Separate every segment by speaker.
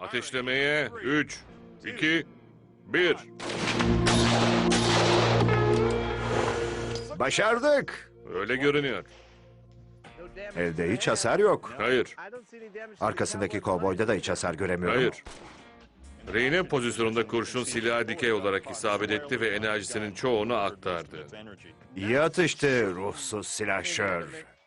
Speaker 1: Ateşlemeye 3, 2, 1.
Speaker 2: Başardık.
Speaker 1: Öyle görünüyor.
Speaker 2: Evde hiç hasar yok.
Speaker 1: Hayır,
Speaker 2: Arkasındaki kovboyda da hiç hasar göremiyorum.
Speaker 1: hayır. Rehine pozisyonunda kurşun silaha dikey olarak isabet etti ve enerjisinin çoğunu aktardı.
Speaker 2: İyi atıştı ruhsuz silahşör.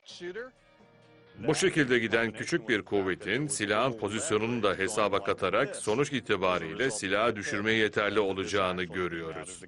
Speaker 1: Bu şekilde giden küçük bir kuvvetin silahın pozisyonunu da hesaba katarak sonuç itibariyle silahı düşürmeye yeterli olacağını görüyoruz.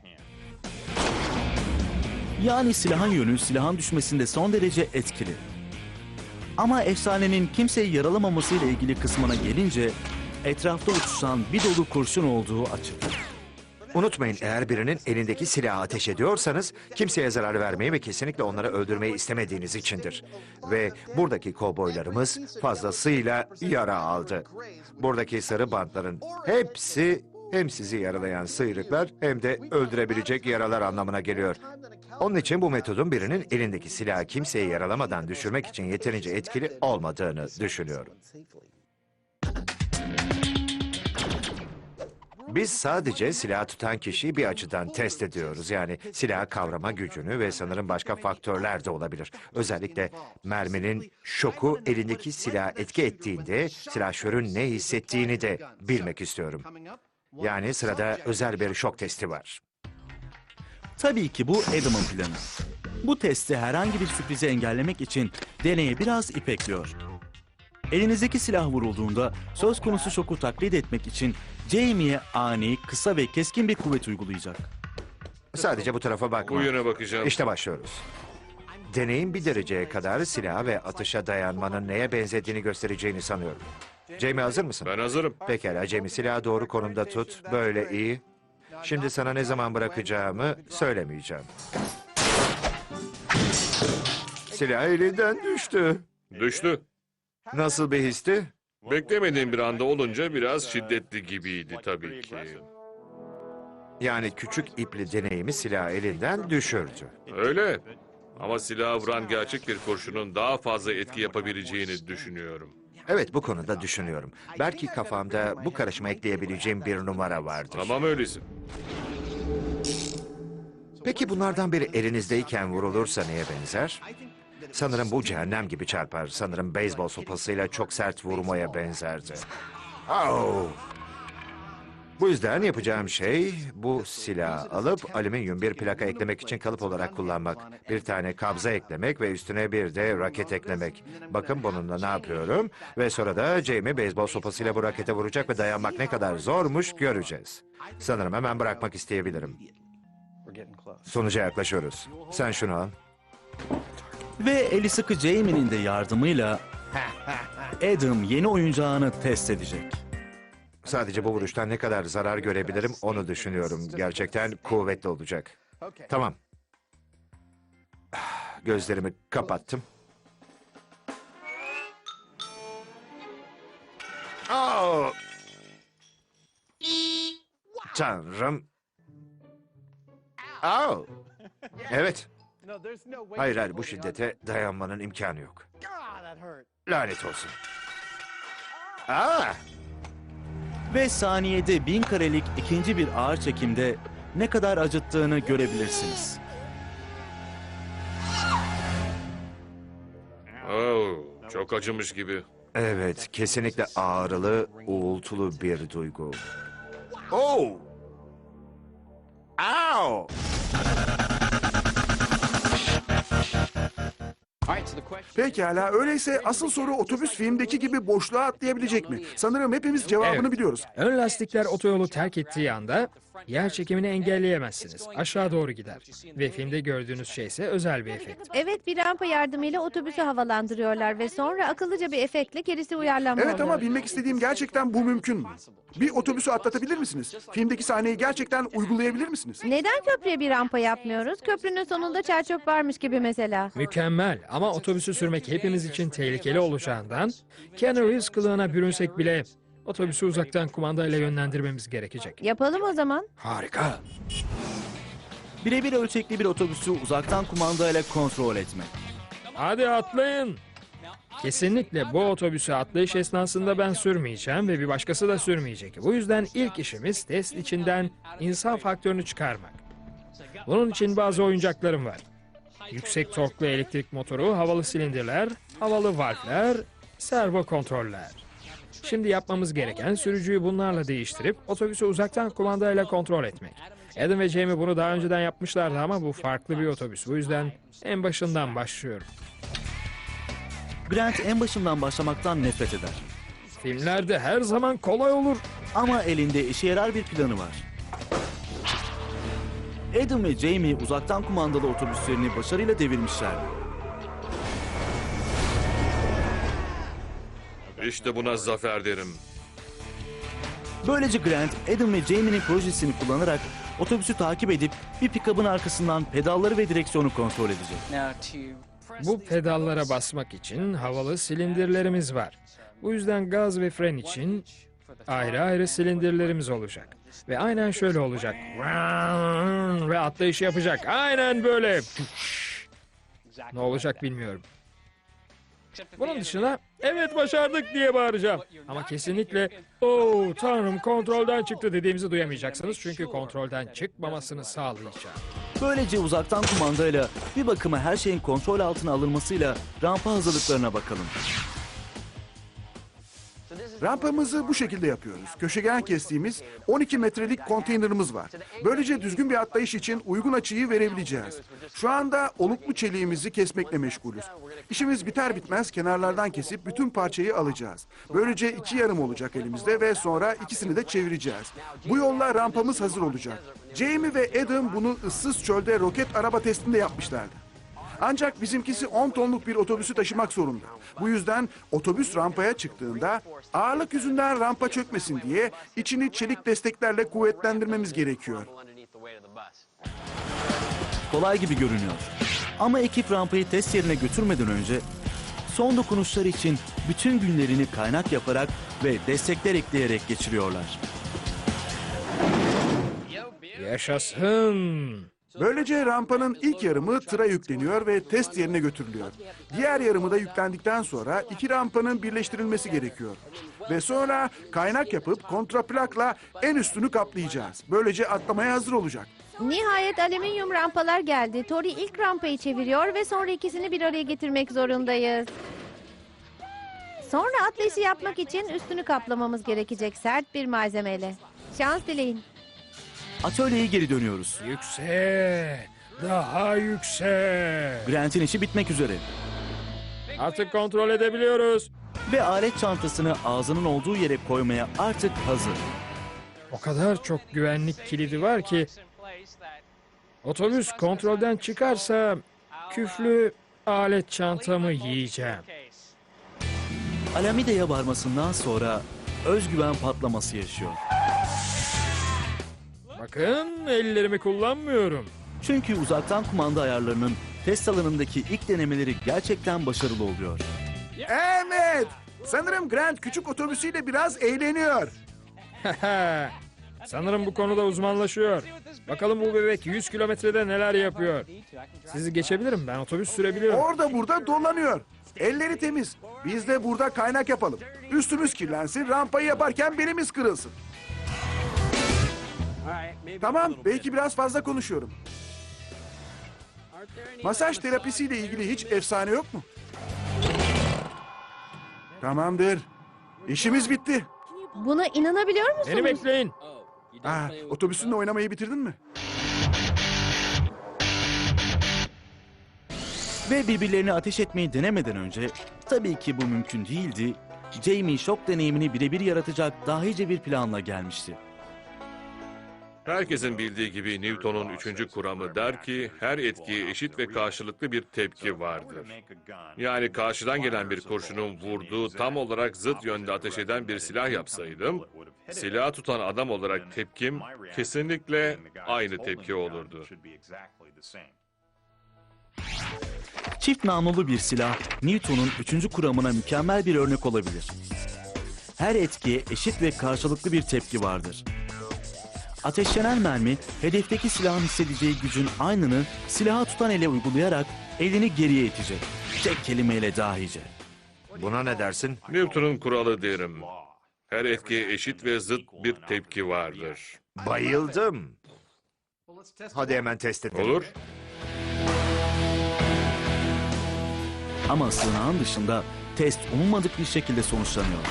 Speaker 3: Yani silahın yönü silahın düşmesinde son derece etkili. Ama efsanenin kimseyi yaralamaması ile ilgili kısmına gelince etrafta uçuşan bir dolu kurşun olduğu açık.
Speaker 2: Unutmayın, eğer birinin elindeki silahı ateş ediyorsanız kimseye zarar vermeyi ve kesinlikle onları öldürmeyi istemediğiniz içindir. Ve buradaki kovboylarımız fazlasıyla yara aldı. Buradaki sarı bantların hepsi hem sizi yaralayan sıyrıklar hem de öldürebilecek yaralar anlamına geliyor. Onun için bu metodun birinin elindeki silahı kimseyi yaralamadan düşürmek için yeterince etkili olmadığını düşünüyorum. Biz sadece silah tutan kişiyi bir açıdan test ediyoruz. Yani silah kavrama gücünü ve sanırım başka faktörler de olabilir. Özellikle merminin şoku elindeki silaha etki ettiğinde silahşörün ne hissettiğini de bilmek istiyorum. Yani sırada özel bir şok testi var.
Speaker 3: Tabii ki bu Adam'ın planı. Bu testi herhangi bir sürprizi engellemek için deneye biraz ipekliyor. Elinizdeki silah vurulduğunda söz konusu şoku taklit etmek için Jamie'ye ani, kısa ve keskin bir kuvvet uygulayacak.
Speaker 2: Sadece bu tarafa bakma.
Speaker 1: Bu yöne bakacağım.
Speaker 2: İşte başlıyoruz. Deneyin bir dereceye kadar silaha ve atışa dayanmanın neye benzediğini göstereceğini sanıyorum. Jamie, hazır mısın?
Speaker 1: Ben hazırım.
Speaker 2: Pekala Jamie, silahı doğru konumda tut. Böyle iyi. Şimdi sana ne zaman bırakacağımı söylemeyeceğim. Silah elinden düştü.
Speaker 1: Düştü.
Speaker 2: Nasıl bir histi?
Speaker 1: Beklemediğim bir anda olunca biraz şiddetli gibiydi tabii ki.
Speaker 2: Yani küçük ipli deneyimi silahı elinden düşürdü.
Speaker 1: Öyle. Ama silahı vuran gerçek bir kurşunun daha fazla etki yapabileceğini düşünüyorum.
Speaker 2: Evet, bu konuda düşünüyorum. Belki kafamda bu karışıma ekleyebileceğim bir numara vardır.
Speaker 1: Tamam öyleyse.
Speaker 2: Peki bunlardan biri elinizdeyken vurulursa neye benzer? Sanırım bu cehennem gibi çarpar. Sanırım beyzbol sopasıyla çok sert vurmaya benzerdi. Au! Bu yüzden yapacağım şey bu silahı alıp alüminyum bir plaka eklemek için kalıp olarak kullanmak. Bir tane kabza eklemek ve üstüne bir de raket eklemek. Bakın bununla ne yapıyorum. Ve sonra da Jamie beyzbol sopasıyla bu rakete vuracak ve dayanmak ne kadar zormuş göreceğiz. Sanırım hemen bırakmak isteyebilirim. Sonuca yaklaşıyoruz. Sen şunu al.
Speaker 3: Ve eli sıkı Jamie'nin de yardımıyla Adam yeni oyuncağını test edecek.
Speaker 2: Sadece bu vuruştan ne kadar zarar görebilirim onu düşünüyorum. Gerçekten kuvvetli olacak. Tamam. Gözlerimi kapattım. Oh! Tanrım. Oh! Evet. Hayır hayır, bu şiddete dayanmanın imkanı yok. Lanet olsun. Aa!
Speaker 3: Ve saniyede 1000 karelik ikinci bir ağır çekimde ne kadar acıttığını görebilirsiniz.
Speaker 1: Oh, çok acımış gibi.
Speaker 2: Evet, kesinlikle ağrılı, uğultulu bir duygu. Oh! Ow!
Speaker 4: Pekala, öyleyse asıl soru otobüs filmdeki gibi boşluğa atlayabilecek mi? Sanırım hepimiz cevabını
Speaker 5: Evet.
Speaker 4: biliyoruz.
Speaker 5: Ön lastikler otoyolu terk ettiği anda yer çekimini engelleyemezsiniz. Aşağı doğru gider. Ve filmde gördüğünüz şey ise özel bir efekt.
Speaker 6: Evet, bir rampa yardımıyla otobüsü havalandırıyorlar ve sonra akıllıca bir efektle gerisi uyarlanma
Speaker 4: Evet, ama
Speaker 6: oluyor.
Speaker 4: bilmek istediğim gerçekten bu mümkün mü? Bir otobüsü atlatabilir misiniz? Filmdeki sahneyi gerçekten uygulayabilir misiniz?
Speaker 6: Neden köprüye bir rampa yapmıyoruz? Köprünün sonunda çerçöp varmış gibi mesela.
Speaker 5: Mükemmel ama otobüsü sürmek hepimiz için tehlikeli olacağından Keanu Reeves kılığına bürünsek bile otobüsü uzaktan kumandayla yönlendirmemiz gerekecek.
Speaker 6: Yapalım o zaman.
Speaker 4: Harika.
Speaker 3: Birebir ölçekli bir otobüsü uzaktan kumandayla kontrol etmek.
Speaker 5: Hadi atlayın. Kesinlikle bu otobüsü atlayış esnasında ben sürmeyeceğim ve bir başkası da sürmeyecek. Bu yüzden ilk işimiz test içinden insan faktörünü çıkarmak. Bunun için bazı oyuncaklarım var. Yüksek torklu elektrik motoru, havalı silindirler, havalı valfler, servo kontroller. Şimdi yapmamız gereken sürücüyü bunlarla değiştirip otobüsü uzaktan kumandayla kontrol etmek. Adam ve Jamie bunu daha önceden yapmışlardı ama bu farklı bir otobüs. Bu yüzden en başından başlıyorum.
Speaker 3: Grant en başından başlamaktan nefret eder.
Speaker 5: Filmlerde her zaman kolay olur.
Speaker 3: Ama elinde işe yarar bir planı var. Adam ve Jamie uzaktan kumandalı otobüslerini başarıyla devirmişler.
Speaker 1: İşte buna zafer derim.
Speaker 3: Böylece Grant, Adam ve Jamie'nin projesini kullanarak otobüsü takip edip bir pikabın arkasından pedalları ve direksiyonu kontrol edecek.
Speaker 5: Bu pedallara basmak için havalı silindirlerimiz var. Bu yüzden gaz ve fren için ayrı ayrı silindirlerimiz olacak. Ve aynen şöyle olacak. Ve atlayışı yapacak. Aynen böyle. Ne olacak bilmiyorum. Bunun dışında evet başardık diye bağıracağım. Ama kesinlikle "Oo tanrım kontrolden çıktı" dediğimizi duyamayacaksınız. Çünkü kontrolden çıkmamasını sağlayacağım.
Speaker 3: Böylece uzaktan kumandayla bir bakıma her şeyin kontrol altına alınmasıyla rampa hazırlıklarına bakalım.
Speaker 4: Rampamızı bu şekilde yapıyoruz. Köşegen kestiğimiz 12 metrelik konteynerımız var. Böylece düzgün bir atlayış için uygun açıyı verebileceğiz. Şu anda oluklu çeliğimizi kesmekle meşgulüz. İşimiz biter bitmez kenarlardan kesip bütün parçayı alacağız. Böylece 2 yarım olacak elimizde ve sonra ikisini de çevireceğiz. Bu yolla rampamız hazır olacak. Jamie ve Adam bunu ıssız çölde roket araba testinde yapmışlardı. Ancak bizimkisi 10 tonluk bir otobüsü taşımak zorunda. Bu yüzden otobüs rampaya çıktığında ağırlık yüzünden rampa çökmesin diye içini çelik desteklerle kuvvetlendirmemiz gerekiyor.
Speaker 3: Kolay gibi görünüyor. Ama ekip rampayı test yerine götürmeden önce son dokunuşlar için bütün günlerini kaynak yaparak ve destekler ekleyerek geçiriyorlar.
Speaker 5: Yaşasın.
Speaker 4: Böylece rampanın ilk yarımı tıra yükleniyor ve test yerine götürülüyor. Diğer yarımı da yüklendikten sonra 2 rampanın birleştirilmesi gerekiyor. Ve sonra kaynak yapıp kontraplakla en üstünü kaplayacağız. Böylece atlamaya hazır olacak.
Speaker 6: Nihayet alüminyum rampalar geldi. Tori ilk rampayı çeviriyor ve sonra ikisini bir araya getirmek zorundayız. Sonra atlayışı yapmak için üstünü kaplamamız gerekecek sert bir malzemeyle. Şans dileyin.
Speaker 3: Atölyeye geri dönüyoruz.
Speaker 5: Yüksek. Daha yüksek.
Speaker 3: Grant'in işi bitmek üzere.
Speaker 5: Artık kontrol edebiliyoruz.
Speaker 3: Ve alet çantasını ağzının olduğu yere koymaya artık hazır.
Speaker 5: O kadar çok güvenlik kilidi var ki otobüs kontrolden çıkarsa küflü alet çantamı yiyeceğim.
Speaker 3: Alameida'ya varmasından sonra özgüven patlaması yaşıyor.
Speaker 5: Bakın ellerimi kullanmıyorum.
Speaker 3: Çünkü uzaktan kumanda ayarlarının test alanındaki ilk denemeleri gerçekten başarılı oluyor.
Speaker 4: Evet! Sanırım Grant küçük otobüsüyle biraz eğleniyor.
Speaker 5: Sanırım bu konuda uzmanlaşıyor. Bakalım bu bebek 100 kilometrede neler yapıyor. Sizi geçebilirim, ben otobüs sürebiliyorum.
Speaker 4: Orada burada dolanıyor. Elleri temiz. Biz de burada kaynak yapalım. Üstümüz kirlensin, rampayı yaparken belimiz kırılsın. Tamam, belki biraz fazla konuşuyorum. Masaj terapisiyle ilgili hiç efsane yok mu? Tamamdır. İşimiz bitti.
Speaker 6: Buna inanabiliyor
Speaker 5: Beni
Speaker 6: musunuz?
Speaker 5: bekleyin.
Speaker 4: Otobüsünle oynamayı bitirdin mi?
Speaker 3: Ve birbirlerini ateş etmeyi denemeden önce, tabii ki bu mümkün değildi, Jamie şok deneyimini birebir yaratacak dahice bir planla gelmişti.
Speaker 1: Herkesin bildiği gibi Newton'un 3. kuramı der ki her etkiye eşit ve karşılıklı bir tepki vardır. Yani karşıdan gelen bir kurşunun vurduğu tam olarak zıt yönde ateş eden bir silah yapsaydım, silahı tutan adam olarak tepkim kesinlikle aynı tepki olurdu.
Speaker 3: Çift namlulu bir silah, Newton'un 3. kuramına mükemmel bir örnek olabilir. Her etkiye eşit ve karşılıklı bir tepki vardır. Ateşlenen mermi, hedefteki silahın hissedeceği gücün aynını silahı tutan ele uygulayarak elini geriye itecek. Tek kelimeyle dahice.
Speaker 2: Buna ne dersin?
Speaker 1: Newton'un kuralı derim. Her etkiye eşit ve zıt bir tepki vardır.
Speaker 2: Bayıldım. Hadi hemen test edelim.
Speaker 1: Olur.
Speaker 3: Ama sığınağın dışında test umulmadık bir şekilde sonuçlanıyor.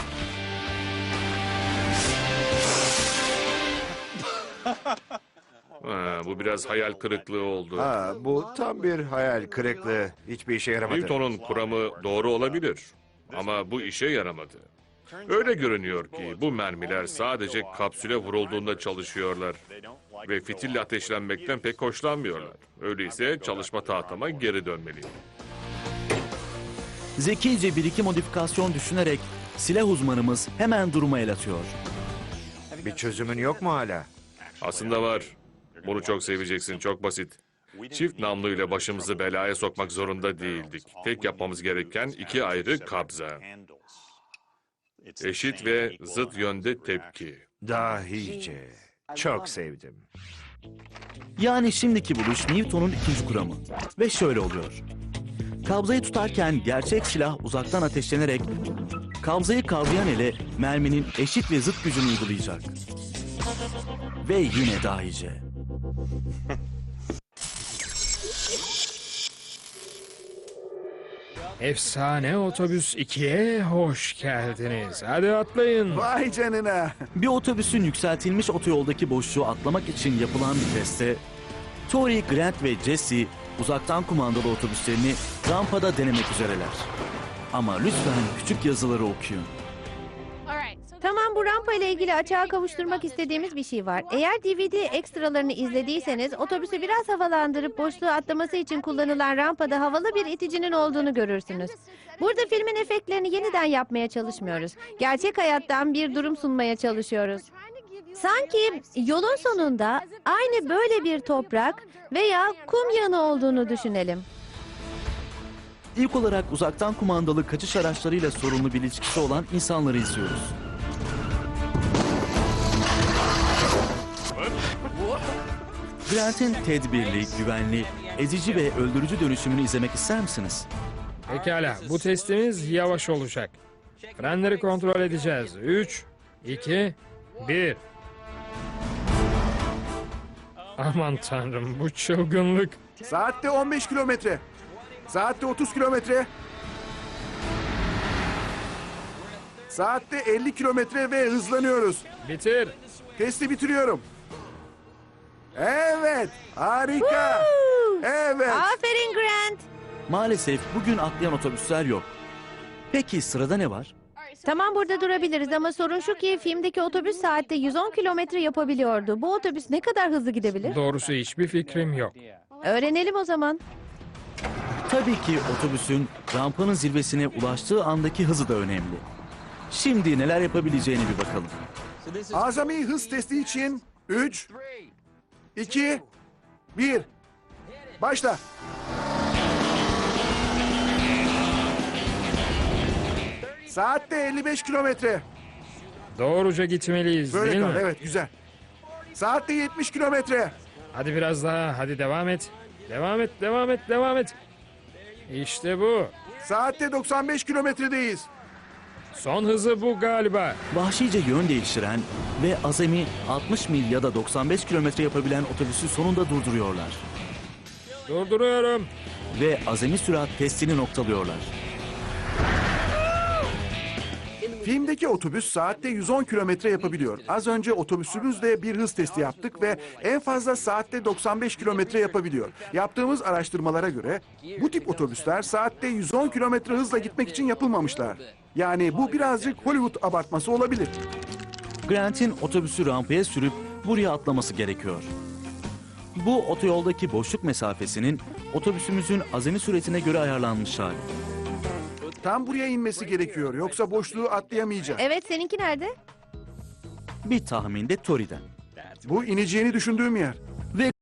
Speaker 1: Bu biraz hayal kırıklığı oldu.
Speaker 2: Ha, bu tam bir hayal kırıklığı. Hiçbir işe yaramadı.
Speaker 1: Newton'un kuramı doğru olabilir. Ama bu işe yaramadı. Öyle görünüyor ki bu mermiler sadece kapsüle vurulduğunda çalışıyorlar. Ve fitille ateşlenmekten pek hoşlanmıyorlar. Öyleyse çalışma tahtama geri dönmeliyim.
Speaker 3: Zekice bir iki modifikasyon düşünerek silah uzmanımız hemen duruma el atıyor.
Speaker 2: Bir çözümün yok mu hala?
Speaker 1: Aslında var. Bunu çok seveceksin, çok basit. Çift namluyla başımızı belaya sokmak zorunda değildik. Tek yapmamız gereken iki ayrı kabza. Eşit ve zıt yönde tepki.
Speaker 2: Dahice. Çok sevdim.
Speaker 3: Yani şimdiki buluş Newton'un ikinci kuramı. Ve şöyle oluyor. Kabzayı tutarken gerçek silah uzaktan ateşlenerek kabzayı kavrayan ele merminin eşit ve zıt gücünü uygulayacak. Ve yine dahice.
Speaker 5: Efsane Otobüs 2'ye hoş geldiniz. Hadi atlayın.
Speaker 4: Vay canına.
Speaker 3: Bir otobüsün yükseltilmiş otoyoldaki boşluğu atlamak için yapılan bir testte Tori, Grant ve Jesse uzaktan kumandalı otobüslerini rampada denemek üzereler. Ama lütfen küçük yazıları okuyun.
Speaker 6: Tamam, bu rampa ile ilgili açığa kavuşturmak istediğimiz bir şey var. Eğer DVD ekstralarını izlediyseniz otobüsü biraz havalandırıp boşluğu atlaması için kullanılan rampada havalı bir iticinin olduğunu görürsünüz. Burada filmin efektlerini yeniden yapmaya çalışmıyoruz. Gerçek hayattan bir durum sunmaya çalışıyoruz. Sanki yolun sonunda aynı böyle bir toprak veya kum yığını olduğunu düşünelim.
Speaker 3: İlk olarak uzaktan kumandalı kaçış araçlarıyla sorunlu bir ilişkisi olan insanları izliyoruz. Grant'in tedbirli, güvenli, ezici ve öldürücü dönüşümünü izlemek ister misiniz?
Speaker 5: Pekala, bu testimiz yavaş olacak. Frenleri kontrol edeceğiz. 3, 2, 1. Aman tanrım, bu çılgınlık.
Speaker 4: Saatte 15 kilometre. Saatte 30 kilometre. Saatte 50 kilometre ve hızlanıyoruz.
Speaker 5: Bitir.
Speaker 4: Testi bitiriyorum. Evet, harika. Evet.
Speaker 6: Aferin Grant.
Speaker 3: Maalesef bugün atlayan otobüsler yok. Peki sırada ne var?
Speaker 6: Tamam, burada durabiliriz ama sorun şu ki filmdeki otobüs saatte 110 kilometre yapabiliyordu. Bu otobüs ne kadar hızlı gidebilir?
Speaker 5: Doğrusu hiçbir fikrim yok.
Speaker 6: Öğrenelim o zaman.
Speaker 3: Tabii ki otobüsün rampanın zirvesine ulaştığı andaki hızı da önemli. Şimdi neler yapabileceğine bir bakalım.
Speaker 4: Azami hız testi için 3, 2, 1. Başla. Saatte 55 kilometre.
Speaker 5: Doğruca gitmeliyiz,
Speaker 4: Böyle
Speaker 5: değil
Speaker 4: kal.
Speaker 5: mi?
Speaker 4: Evet, güzel. Saatte 70 kilometre.
Speaker 5: Hadi biraz daha, hadi devam et. Devam et, devam et, devam et. İşte bu.
Speaker 4: Saatte 95 kilometredeyiz.
Speaker 5: Son hızı bu galiba.
Speaker 3: Vahşice yön değiştiren ve azami 60 mil ya da 95 kilometre yapabilen otobüsü sonunda durduruyorlar.
Speaker 5: Durduruyorum.
Speaker 3: Ve azami sürat testini noktalıyorlar.
Speaker 4: Filmdeki otobüs saatte 110 kilometre yapabiliyor. Az önce otobüsümüzle bir hız testi yaptık ve en fazla saatte 95 kilometre yapabiliyor. Yaptığımız araştırmalara göre bu tip otobüsler saatte 110 kilometre hızla gitmek için yapılmamışlar. Yani bu birazcık Hollywood abartması olabilir.
Speaker 3: Grant'in otobüsü rampaya sürüp buraya atlaması gerekiyor. Bu otoyoldaki boşluk mesafesinin otobüsümüzün azami süretine göre ayarlanmış hali.
Speaker 4: Tam buraya inmesi gerekiyor. Yoksa boşluğu atlayamayacak.
Speaker 6: Evet, seninki nerede?
Speaker 3: Bir tahmin de Tori'den.
Speaker 4: Bu ineceğini düşündüğüm yer.